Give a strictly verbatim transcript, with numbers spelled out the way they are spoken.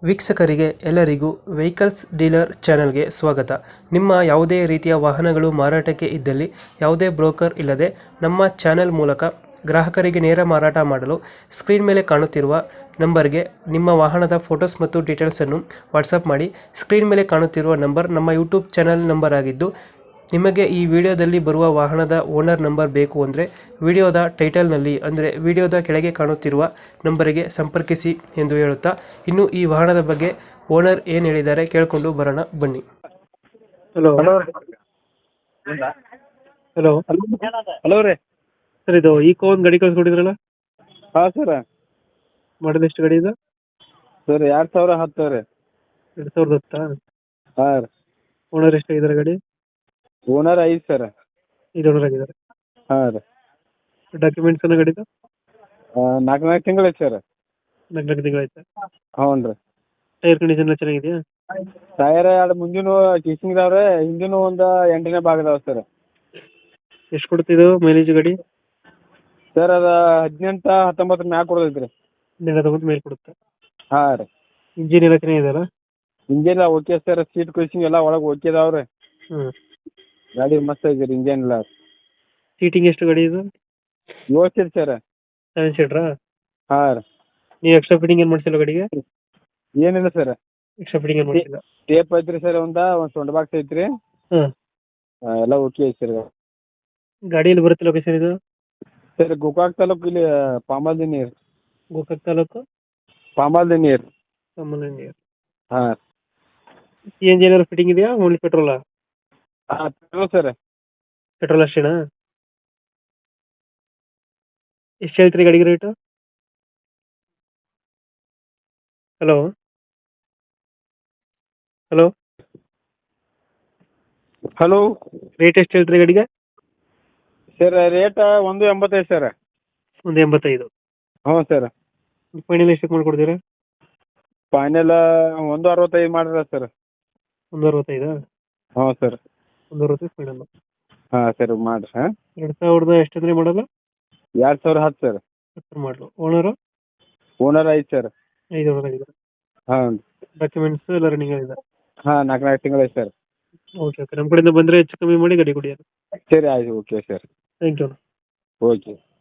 ವೀಕ್ಷಕರಿಗೆ ಎಲ್ಲರಿಗೂ vehicles dealer ಚಾನೆಲ್ಗೆ ಸ್ವಾಗತ. ನಿಮ್ಮ ಯಾವುದೇ ರೀತಿಯ ವಾಹನಗಳು ಮಾರಾಟಕ್ಕೆ ಇದ್ದಲ್ಲಿ ಯಾವುದೇ ಬ್ರೋಕರ್ ಇಲ್ಲದೆ ನಮ್ಮ ಚಾನೆಲ್ ಮೂಲಕ ಗ್ರಾಹಕರಿಗೆ ನೇರ ಮಾರಾಟ ಮಾಡಲು ಸ್ಕ್ರೀನ್ ಮೇಲೆ ಕಾಣುತ್ತಿರುವ ನಂಬರ್ಗೆ ನಿಮ್ಮ ವಾಹನದ ಫೋಟೋಸ್ ಮತ್ತು ಡೀಟೇಲ್ಸನ್ನು ವಾಟ್ಸಪ್ ಮಾಡಿ. ಸ್ಕ್ರೀನ್ ಮೇಲೆ ಕಾಣುತ್ತಿರುವ ನಂಬರ್ ನಮ್ಮ ಯೂಟ್ಯೂಬ್ ಚಾನೆಲ್ ನಂಬರ್ ಆಗಿದ್ದು, ನಿಮಗೆ ಈ ವಿಡಿಯೋದಲ್ಲಿ ಬರುವ ವಾಹನದ ಓನರ್ ನಂಬರ್ ಬೇಕು ಅಂದರೆ ವಿಡಿಯೋದ ಟೈಟಲ್ನಲ್ಲಿ ಅಂದರೆ ವಿಡಿಯೋದ ಕೆಳಗೆ ಕಾಣುತ್ತಿರುವ ನಂಬರಿಗೆ ಸಂಪರ್ಕಿಸಿ ಎಂದು ಹೇಳುತ್ತಾ, ಇನ್ನು ಈ ವಾಹನದ ಬಗ್ಗೆ ಓನರ್ ಏನು ಹೇಳಿದ್ದಾರೆ ಕೇಳಿಕೊಂಡು ಬರೋಣ ಬನ್ನಿ. ಹಲೋ ಹಲೋ ಹಲೋ ಹಲೋ ರೀ. ಸರ್, ಇದು ಈಕೋ ಒಂದು ಗಾಡಿ ಕಳ್ಸ್ಕೊಟ್ಟಿದ್ರಲ್ಲ, ಹಾಂ ಸರ. ಮಾಡಲ್ ಎಷ್ಟು ಗಾಡಿ ಇದೆ? ಸರ್ ಎರಡು ಸಾವಿರ ಹತ್ತು ರೀ. ಎರಡು ಸಾವಿರದ ಹತ್ತಾ? ಹಾಂ ರೀ. ಓನರ್ ಎಷ್ಟಾಗಿದ್ದಾರೆ ಗಾಡಿ? ಓನರ್ ಐದು ಸರ್. ಐದು ಓನರ್ ಆಗಿದ್ದಾರೆ. ಹಾಂ ರೀ. ಡಾಕ್ಯುಮೆಂಟ್ಸ್ ಅನ್ನೋ ಗಾಡಿದು ನಾಲ್ಕು ನಾಲ್ಕು ತಿಂಗಳು ಐತೆ ಸರ್. ನಾಲ್ಕು ನಾಲ್ಕು ತಿಂಗಳಾಯ್ತಾ? ಹ್ಞೂ ರೀ. ಟೈರ್ ಕಂಡೀಷನ್ ಎಲ್ಲ ಚೆನ್ನಾಗಿದೆಯಾ? ಟಯರ್ ಎರಡು ಮುಂದಿನ ಟೀಚಿಂಗ್ ಇದಾವೆ ರೀ, ಹಿಂದಿನ ಒಂದು ಎಂಟನೇ ಭಾಗ ಇದಾವೆ ಸರ್. ಎಷ್ಟು ಕೊಡ್ತಿದ್ದು ಮೈಲೇಜ್ ಗಾಡಿ? ಸರ್ ಅದು ಹದಿನೆಂಟು ಹತ್ತೊಂಬತ್ತರ ಮ್ಯಾಗ ಕೊಡೋದೈತೆ ರೀ. ನೆಲ ತಗೊಂಡು ಮೇಲೆ ಕೊಡುತ್ತೆ. ಹಾಂ ರೀ. ಇಂಜಿನ್ ಎಲ್ಲ ಚೆನ್ನಾಗಿದೆಯಲ್ಲ? ಇಂಜನ್ ಎಲ್ಲ ಓಕೆ ಸರ್. ಸೀಟ್ ಕುಸಿಂಗ್ ಎಲ್ಲ ಒಳಗೆ ಓಕೆ ಇದಾವೆ ರೀ. ಹ್ಞೂ. ಗಾಡಿ ಮಸ್ತ್ ಐತೆ ರೀ. ಇಂಜನ್ ಎಲ್ಲ ಸೀಟಿಂಗ್ ಎಷ್ಟು ಗಾಡಿ ಇದು? ಏಳು ಸೀಟ್ ಸರ್. ಸೆವೆನ್ ಸೀಟ್ರಾ? ಹಾಂ ರೀ. ನೀವು ಎಕ್ಸ್ಟ್ರಾ ಫಿಟ್ಟಿಂಗ್ ಏನು ಮಾಡಿಸಿಲ್ಲ ಗಾಡಿಗೆ? ಏನಿಲ್ಲ ಸರ್. ಎಕ್ಸ್ಟ್ರಾ ಫಿಟ್ಟಿಂಗ್ ಏನು ಮಾಡಿಸಿಲ್ಲ? ಟೇಪ್ ಐತ್ರಿ ಸರ್, ಒಂದು ಒಂದು ಸೊಂಡ ಬಾಕ್ಸ್ ಐತ್ರಿ. ಹಾಂ. ಎಲ್ಲ ಓಕೆ ಐತೆ ಸರ್. ಗಾಡಿಯಲ್ಲಿ ಬರುತ್ತೆ ಲೊಕೇಶನ್ ಇದು? ಸರ್ ಗೋಕಾಕ್ ತಾಲೂಕು, ಇಲ್ಲಿ ಪಾಮಾಲ್ದಿ ನೀರು. ಗೋಕಾಕ್ ತಾಲೂಕು ಪಾಮಾಲ್ದಿ ನೀರು. ಸಾಮಾನ್ಯ. ಹಾಂ. ಸಿ ಎನ್ ಜಿ ಏನಾದ್ರು ಫಿಟ್ಟಿಂಗ್ ಇದೆಯಾ? ಓನ್ಲಿ ಪೆಟ್ರೋಲಾ? ಹಾಂ ಪೆಟ್ರೋಲ್ ಸರ್. ಪೆಟ್ರೋಲ್ ಅಷ್ಟೇನಾ? ಎಷ್ಟು ಹೇಳ್ತೀರಿ ಗಾಡಿಗೆ rate? Hello hello hello. Rate ಎಷ್ಟು ಹೇಳ್ತೀರಿ ಗಾಡಿಗೆ? ಸರ್ ರೇಟ್ ಒಂದು ಎಂಬತ್ತೈದು ಸರ್. ಒಂದು ಎಂಬತ್ತೈದು? ಹ್ಞೂ ಸರ್. ಫೈನಲ್ ಎಷ್ಟಕ್ಕೆ ಮಾಡ್ಕೊಡ್ತೀರಾ? ಫೈನಲ್ ಒಂದು ಅರವತ್ತೈದು ಮಾಡಿರ ಸರ್. ಒಂದು ಅರವತ್ತೈದಾ? ಹ್ಞೂ ಸರ್. ಒಂದು ಅರವತ್ತೈದು ಫೈನಲ್. ಹಾಂ ಸರ್ ಮಾಡಿರಿ. ಹಾಂ. ಎರಡು ಸಾವಿರದ ಎಷ್ಟಂದ್ರೆ ಮಾಡಲ್ಲ? ಎರಡು ಸಾವಿರ ಹತ್ತು ಸರ್. ಹತ್ತು ಮಾಡಲು. ಓನರು? ಓನರ್ ಐದು ಸರ್. ಐದು ಓನರ್ ಆಗಿದ್ದಾರೆ. ಹಾಂ. ಡಾಕ್ಯುಮೆಂಟ್ಸ್ ಎಲ್ಲ ರನ್ನಿಂಗ್ ಆಗಿದೆ? ಹಾಂ ನಾಲ್ಕು ನಾಲ್ಕು ತಿಂಗಳು ಐತೆ ಸರ್. Okay okay. ನಮ್ಮ ಕಡೆಯಿಂದ ಬಂದರೆ ಹೆಚ್ಚು ಕಮ್ಮಿ ಮಾಡಿ ಗಾಡಿ ಕೊಡಿ. ಸರಿ ಆಯ್ತು. Okay sir. Thank you. Okay.